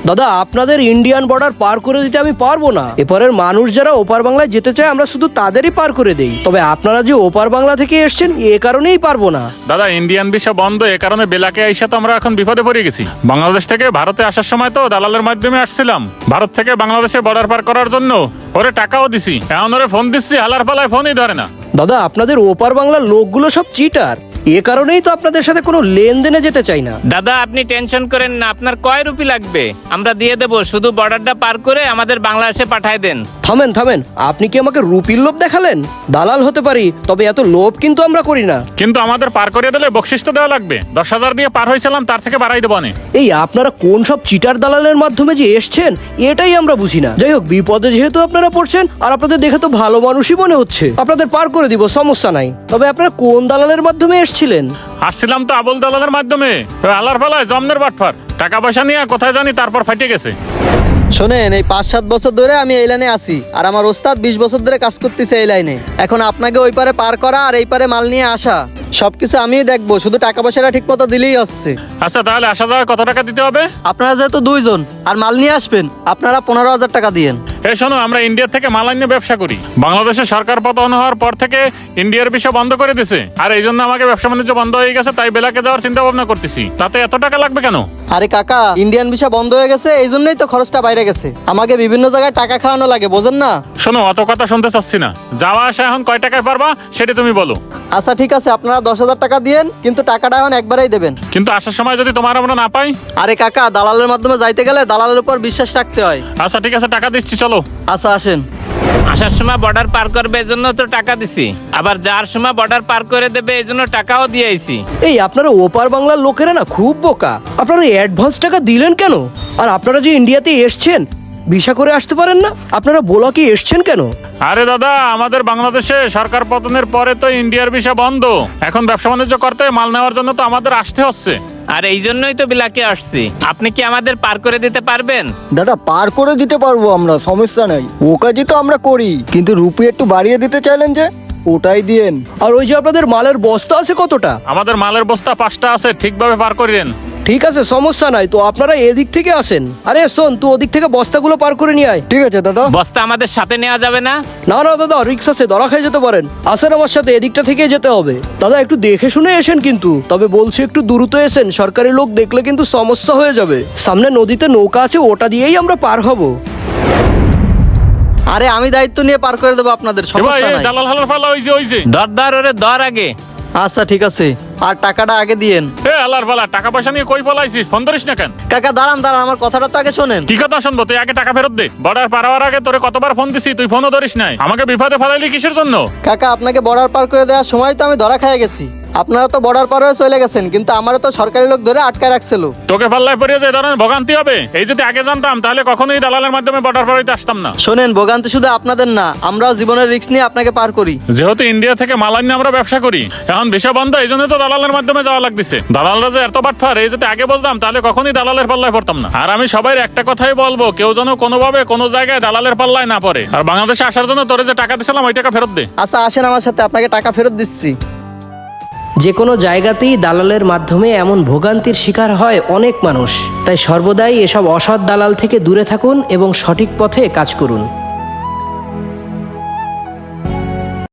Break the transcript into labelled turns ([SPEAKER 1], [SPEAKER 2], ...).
[SPEAKER 1] দাদা আপনাদের Indian border পার করে দিতে আমি পারবো না। এপারের মানুষ যারা ওপার বাংলায় যেতে চায় আমরা শুধু তাদেরই পার করে দেই, তবে আপনারা যে ওপার বাংলা থেকে এসছেন এ কারণেই পারবো না।
[SPEAKER 2] দাদা ইন্ডিয়ান ভিসা বন্ধ, এ কারণে বেলাকে আইসা তো আমরা এখন বিপদে পড়ে গেছি। বাংলাদেশ থেকে ভারতে আসার সময় তো দালালের মাধ্যমে আসছিলাম, ভারত থেকে বাংলাদেশে বর্ডার পার করার জন্য ওরে টাকাও দিছি, এখন ওরে ফোন দিচ্ছি হালার পালায় ফোনই ধরে না।
[SPEAKER 1] দাদা আপনাদের ওপার বাংলার লোকগুলো সব চিটার, এ কারণেই তো আপনাদের সাথে কোনো লেনদেনে যেতে চাই না।
[SPEAKER 3] দাদা আপনি টেনশন করেন না, আপনার কয় রুপি লাগবে আমরা দিয়ে দেবো, শুধু বর্ডারটা পার করে আমাদের বাংলাদেশে পাঠায় দেন।
[SPEAKER 1] থামেন থামেন, আপনি কি আমাকে রুপির লোভ দেখালেন? দালাল হতে পারি, তবে এত লোভ কিন্তু আমরা করি না।
[SPEAKER 2] কিন্তু আমাদের পার করিয়ে দিলে বকশিস তো দেওয়া লাগবে, 10,000 দিয়ে পার হয়েছিলাম, তার থেকে বাড়াই দেবো না।
[SPEAKER 1] এই আপনারা কোন সব চিটার দালালের মাধ্যমে যে এসছেন এটাই আমরা বুঝি না। যাই হোক, বিপদে যেহেতু আপনারা পড়ছেন আর আপনাদের দেখে তো ভালো মানুষই মনে হচ্ছে, আপনাদের পার করে দিব, সমস্যা নাই। তবে আপনারা কোন দালালের মাধ্যমে এসেছিলেন?
[SPEAKER 2] আসছিলাম তো আবুল দালালের মাধ্যমে, আলার পালায় জমনের বাটফার, টাকা পয়সা নিয়ে কোথায় জানি তারপর ফাটে গেছে।
[SPEAKER 4] শোনেন, এই 5-7 বছর ধরে আমি এই লাইনে আছি, আর আমার ওস্তাদ 20 বছর ধরে কাজ করতেছে এই লাইনে। এখন আপনাকে ওই পারে পার করা আর এই পারে মাল নিয়ে আসা সবকিছু আমিই দেখবো, শুধু টাকা পয়সাটা ঠিক মতো দিলেই হচ্ছে।
[SPEAKER 2] আচ্ছা তাহলে আসা যাওয়া কত টাকা দিতে হবে?
[SPEAKER 4] আপনারা যেহেতু 2 জন আর মাল নিয়ে আসবেন, আপনারা 15,000 টাকা দিয়েন।
[SPEAKER 2] এই শোনো, আমরা ইন্ডিয়া থেকে মাল নিয়ে ব্যবসা করি, বাংলাদেশে সরকার পতন হওয়ার পর থেকে ইন্ডিয়ার ভিসা বন্ধ করে দিয়েছে, আর এই জন্য আমাকে ব্যবসা বাণিজ্য বন্ধ হয়ে গেছে, তাই বেলাকে যাওয়ার চিন্তা ভাবনা করতেছি। তাতে এত টাকা লাগবে কেন?
[SPEAKER 4] আরে কাকা, ইন্ডিয়ান ভিসা বন্ধ হয়ে গেছে, এই জন্যই তো খরচটা বাইরে গেছে। আমাকে বিভিন্ন জায়গায় টাকা খাওয়ানো লাগে, বোঝেন না?
[SPEAKER 2] শোনো, অত কথা শুনতে চাচ্ছি না, যাওয়া আসা এখন কয় টাকায় পারবা সেটা তুমি বলো।
[SPEAKER 4] আচ্ছা ঠিক আছে, আপনারা 10,000 টাকা দিয়েন, কিন্তু টাকাটা এখন একবারেই দেবেন।
[SPEAKER 2] কিন্তু আসার সময় যদি তোমার আমরা না পাই?
[SPEAKER 4] আরে কাকা, দালালের মাধ্যমে যাইতে গেলে দালালের উপর বিশ্বাস রাখতে হয়।
[SPEAKER 2] আচ্ছা ঠিক আছে, টাকা দিচ্ছি, চলো।
[SPEAKER 4] আচ্ছা আসেন।
[SPEAKER 3] আসার সময় বর্ডার পার করবে এজন্য তো টাকা দিছি, আবার যার সময় বর্ডার পার করে দেবে এজন্য টাকাও দিয়ে আইছি।
[SPEAKER 1] এই আপনারা ওপার বাংলার লোকেরা না খুব বোকা, আপনারা অ্যাডভান্স টাকা দিলেন কেন? আর আপনারা যে ইন্ডিয়াতে এসছেন ভিসা করে আসতে পারেন না, আপনারা বোলাকে এসছেন কেন?
[SPEAKER 2] আরে দাদা, আমাদের বাংলাদেশে সরকার পতনের পরে তো ইন্ডিয়ার ভিসা বন্ধ, এখন ব্যবসা বাণিজ্য করতে মাল নেওয়ার জন্য তো আমাদের আসতে হচ্ছে।
[SPEAKER 3] আর এই জন্যই তো বিলাকে আসছি, আপনি কি আমাদের পার করে দিতে পারবেন?
[SPEAKER 5] দাদা পার করে দিতে পারবো আমরা, সমস্যা নাই, ও কাজই তো আমরা করি, কিন্তু রুপি একটু বাড়িয়ে দিতে চাইলেন যে, ওটাই দিয়েন।
[SPEAKER 1] আর ওই যে আপনাদের মালের বস্তা আছে কতটা?
[SPEAKER 2] আমাদের মালের বস্তা 5টা আছে, ঠিকভাবে পার করিলেন।
[SPEAKER 1] ঠিক আছে, সমস্যা নাই, তো আপনারা এদিক থেকে আসেন। আরে শোন, তুই ওদিক থেকে বস্তাগুলো পার করে নিয়ে আয়।
[SPEAKER 5] ঠিক আছে দাদা।
[SPEAKER 3] বস্তা আমাদের সাথে নেওয়া যাবে না?
[SPEAKER 1] না না দাদা, রিক্সা আছে, ধরা খেয়ে যেতে পারেন। আসেন আমার সাথে, এদিকটা থেকে যেতে হবে। দাদা একটু দেখে শুনে এসেন কিন্তু, তবে বলছি একটু দ্রুত এসেন, সরকারি লোক দেখলে কিন্তু সমস্যা হয়ে যাবে। সামনে নদীতে নৌকা আছে, ওটা দিয়েই আমরা পার হব।
[SPEAKER 4] আরে আমি দায়িত্ব নিয়ে পার করে দেবো আপনাদের, সমস্যা নাই।
[SPEAKER 2] দালাল হালার পালা, ওই যে
[SPEAKER 3] দর ওরে দর আগে।
[SPEAKER 4] আচ্ছা ঠিক আছে, আর টাকাটা আগে দিয়েন।
[SPEAKER 2] এ হালার পালা, টাকা পয়সা নিয়ে কই পলাইছিস? ফোন ধরিস না কেন?
[SPEAKER 4] কাকা দাঁড়ান দাঁড়ান, আমার কথাটা তো আগে শোনেন।
[SPEAKER 2] কি কথা শুনবো? তুই আগে টাকা ফেরত দে। বর্ডার পার হওয়ার আগে তোরে কতবার ফোন দিছি, তুই ফোনও ধরিস নাই, আমাকে বিপদে ফেলাইলি কিসের জন্য?
[SPEAKER 4] কাকা, আপনাকে বর্ডার পার করে দেওয়ার সময় তো আমি ধরা খেয়ে গেছি। আপনারা তো বর্ডার পার হয়ে চলে গেছেন, কিন্তু আমারও তো সরকারি লোক ধরে আটকায় রাখছিল।
[SPEAKER 2] তোকে পাল্লায় পড়িয়ে যে ধরনের ভোগান্তি হবে, এই যদি আগে জানতাম তাহলে কখনোই দালালের মাধ্যমে বর্ডার পার হইতে আসতাম না।
[SPEAKER 4] শোনেন, ভোগান্তি শুধু আপনাদের না, আমরাও জীবনের রিস্ক নিয়ে আপনাকে পার করি।
[SPEAKER 2] যেহেতু ইন্ডিয়া থেকে মাল নিয়ে আমরা ব্যবসা করি, এখন ভিসা বন্ধ, এই জন্য তো দালালের মাধ্যমে যাওয়া লাগতেছে। দালালরা যে এত বাটফার, এই যদি আগে বুঝতাম তাহলে কখনোই দালালের পাল্লায় পড়তাম না। আর আমি সবাই একটা কথাই বলবো, কেউ যেন কোনোভাবে কোনো জায়গায় দালালের পাল্লায় না পড়ে। আর বাংলাদেশে আসার জন্য তোরে যে টাকা দিছিলাম ওই টাকা ফেরত দে।
[SPEAKER 4] আচ্ছা আসেন আমার সাথে, আপনাকে টাকা ফেরত দিচ্ছি।
[SPEAKER 1] যে কোনো জায়গাতেই দালালের মাধ্যমে এমন ভোগান্তির শিকার হয় অনেক মানুষ, তাই সর্বদাই এসব অসৎ দালাল থেকে দূরে থাকুন এবং সঠিক পথে কাজ করুন।